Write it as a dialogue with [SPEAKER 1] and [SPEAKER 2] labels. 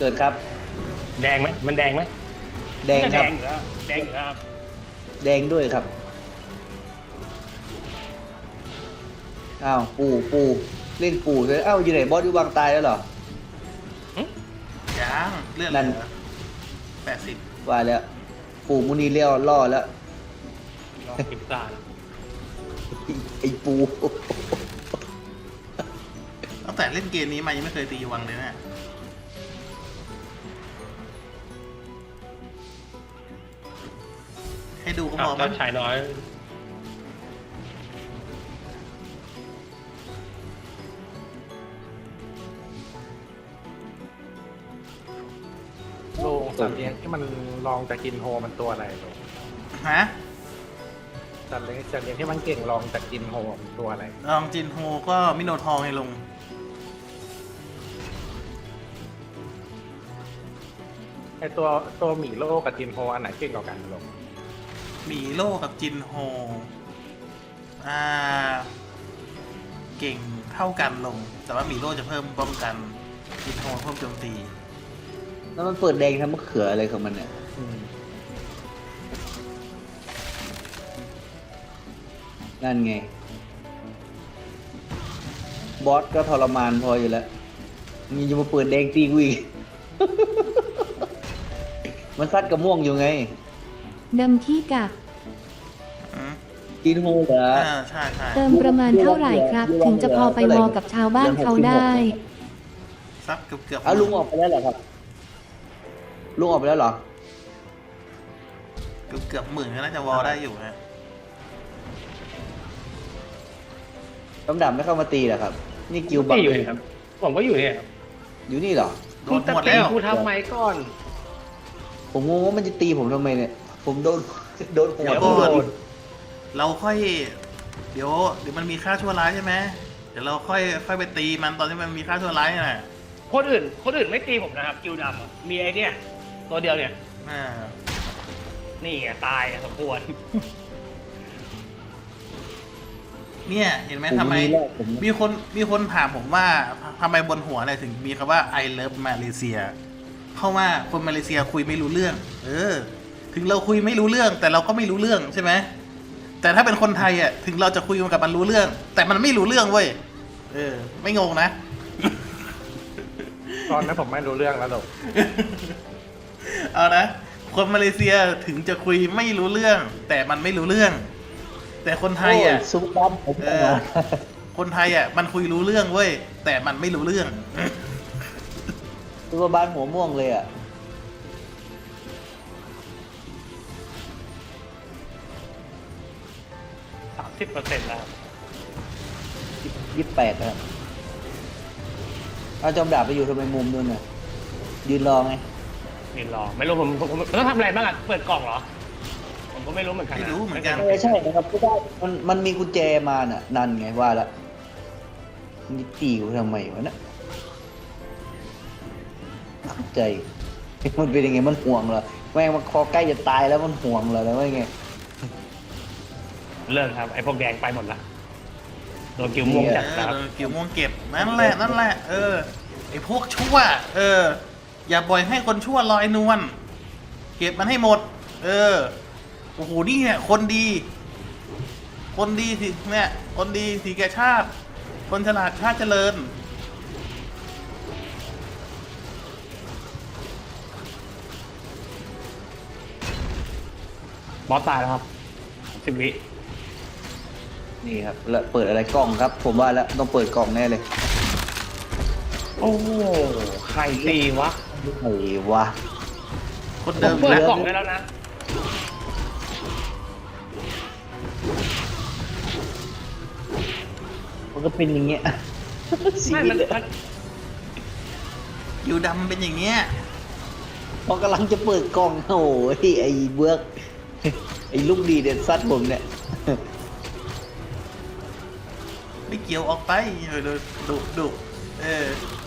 [SPEAKER 1] กิดครับ
[SPEAKER 2] แดงไหมมันแดงไหม
[SPEAKER 1] แดงครับ
[SPEAKER 2] แดงอยู่แล้วครับ
[SPEAKER 1] แดงด้วยครับอ้าวปู่เล่นปู่เลยอ้าวอยู่ไหนบอสอยู่วางตายแล้วเหรอ
[SPEAKER 3] ยังเลื่อน
[SPEAKER 1] นั่น
[SPEAKER 3] 80
[SPEAKER 1] ว่าแล้วปู่มุนีเลี้ยวล่อแล้ว
[SPEAKER 2] รอกินซ่า
[SPEAKER 1] ไอ้ปู่
[SPEAKER 3] ตั้งแต่เล่นเกมนี้มายังไม่เคยตีวังเลยนะให้ดูก็พอ
[SPEAKER 2] เจ้าชายน้อย
[SPEAKER 4] โลงสัตว์เลี้ยงที่มันลองจะกินโฮมันตัวอะไรโลง
[SPEAKER 3] ฮะ
[SPEAKER 4] สัตว์เลี้ยงที่มันเก่งลองจะกินโฮมันตัวอะไร
[SPEAKER 3] ลองจินโฮก็มิโนทองให้ลง
[SPEAKER 4] ไอตัวหมีโลกับจินโฮอันไหนเก่งกว่ากันโลง
[SPEAKER 3] หมีโลกับจินโฮอ่าเก่งเท่ากันลง แต่ว่าหมีโลจะเพิ่มป้องกันจินโฮเพิ่มโจมตี
[SPEAKER 1] แล้วมันเปิดแดงทำมะเขืออะไรของมันเนี่ยนั่นไงบอสก็ทรมานพออยู่แล้วมีจะมาเปิดแดงตีกูอีก มันซัดกระม่วงอยู่ไง
[SPEAKER 5] ดำขี้กัก
[SPEAKER 1] กินโฮเหรอ
[SPEAKER 3] ใช่
[SPEAKER 5] เติมประมาณเท่าไหร่ครับ ถึงจะพอไปวอกับชาวบ้านเขาได้
[SPEAKER 3] ซับเกือบ
[SPEAKER 1] เอาลุงออกไปแล้วเหรอครับลุงออกไปแล้วเหรอ
[SPEAKER 3] เกือบหมื่นก็น่าจะวอลได้อยู่ฮะ
[SPEAKER 1] ตำดำไม่เข้ามาตีเหรอครับ นี่กิวบั
[SPEAKER 2] ที่อยู่เนี่ยครับผมก็อยู่เนี่ยครับ
[SPEAKER 1] อยู่นี่เหรอ
[SPEAKER 3] โดนหมดแล้ว
[SPEAKER 2] กูทำไมก่อน
[SPEAKER 1] ผมงงว่ามันจะตีผมทำไมเนี่ย ผมโดนหัว
[SPEAKER 3] เดี๋ยว
[SPEAKER 1] โด
[SPEAKER 3] ก่อน
[SPEAKER 1] น
[SPEAKER 3] เราค่อย เดี๋ยวมันมีค่าชั่วร้ายใช่ไหมเดี๋ยวเราค่อยไปตีมันตอนที่มันมีค่าชั่วร้ายน่ะ
[SPEAKER 2] คนอื่นไม่ตีผมนะครับกิวดำอะมีไอเนี่ยตัวเดียวเนี่ย
[SPEAKER 3] อ่า
[SPEAKER 2] นี่ไงตายสมควร
[SPEAKER 3] เนี่ยเห็นไหม
[SPEAKER 1] ผม
[SPEAKER 3] ทำไม
[SPEAKER 1] แล้วผม
[SPEAKER 3] มีคนถามผมว่าทำไมบนหัวเนี่ยถึงมีคำว่า I love Malaysia เพราะว่าคนมาเลเซียคุยไม่รู้เรื่อง ถึงเราคุยไม่รู้เรื่อง แต่เราก็ไม่รู้เรื่องใช่ไหมแต่ถ้าเป็นคนไทยอ่ะถึงเราจะคุยกับมันรู้เรื่อง แต่มันไม่รู้เรื่องเว้ยไม่งงนะ
[SPEAKER 4] ตอนนั้นผมไม่รู้เรื่องแล้วโลง
[SPEAKER 3] เอานะคนมาเลเซียถึงจะคุยไม่รู้เรื่อง แต่มันไม่รู้เรื่อง แต่คนไทยอ่ะ
[SPEAKER 1] โซุปดำผม
[SPEAKER 3] คนไทยอ่ะมันคุยรู้เรื่องเว้ยแต่มันไม่รู้เรื่อง
[SPEAKER 1] ซุปบ้านหัวม่วงเลยอ่ะ
[SPEAKER 2] 30%แล้ว
[SPEAKER 1] 28นะครับเอาจอมดาบไปอยู่ทำไมมุมนู่นน่ะยืนรอไง
[SPEAKER 2] นี่รอไม่รู้ผมต้องทำอะไรบ้างอะเปิดกล่องเหรอผมก็ไม่รู้เหมือนกัน
[SPEAKER 3] ไม่รู้เหมือนกัน
[SPEAKER 1] ใช่นะครับก็ได้มันมีกุญแจมาน่ะนั่นไงว่าละมันจะตีกูทำไมวะน่ะเข้าใจ มันเป็นยังไงมันห่วงเหรอแม่งมันคอใกล้จะตายแล้วมันห่วงเหรอแล้วว่าไง
[SPEAKER 2] เลิกครับไอ้พวกแดงไปหมดละโดนกิวม่วงจัดครับ
[SPEAKER 3] กิ่วม่วงเก็บนั่นแหละไอ้พวกชั่วอย่าปล่อยให้คนชั่วลอยนวลเก็บมันให้หมดโอ้โหนี่เนี่ยคนดีสิเนี่ยคนดีสีแก่ชาติ คนฉลาดชาติเจริญ
[SPEAKER 2] บอสตายแล้วครับ10 วิ
[SPEAKER 1] นี่ครับแล้วเปิดอะไรกล่องครับ ผมว่าแล้วต้องเปิดกล่องแน่เลย
[SPEAKER 2] โอ้ใครตีวะ
[SPEAKER 1] ไอ้วะ
[SPEAKER 3] คน
[SPEAKER 2] ผ
[SPEAKER 3] เดิ
[SPEAKER 2] ม
[SPEAKER 3] ม
[SPEAKER 2] เปิด
[SPEAKER 3] แล้ว
[SPEAKER 2] กล่องได้แล้วนะ
[SPEAKER 1] มันก็เป็นอย่างเงี้ย
[SPEAKER 2] ไม่มัน
[SPEAKER 3] อยู่ดำเป็นอย่างเงี้ย
[SPEAKER 1] พอกำลังจะเปิดกล่องโอ้ยไอ้เบิร์กไอ้ลูกดีเด็ดซัดผมเนี่ย
[SPEAKER 3] ไม่เกี่ยวออกไปดุ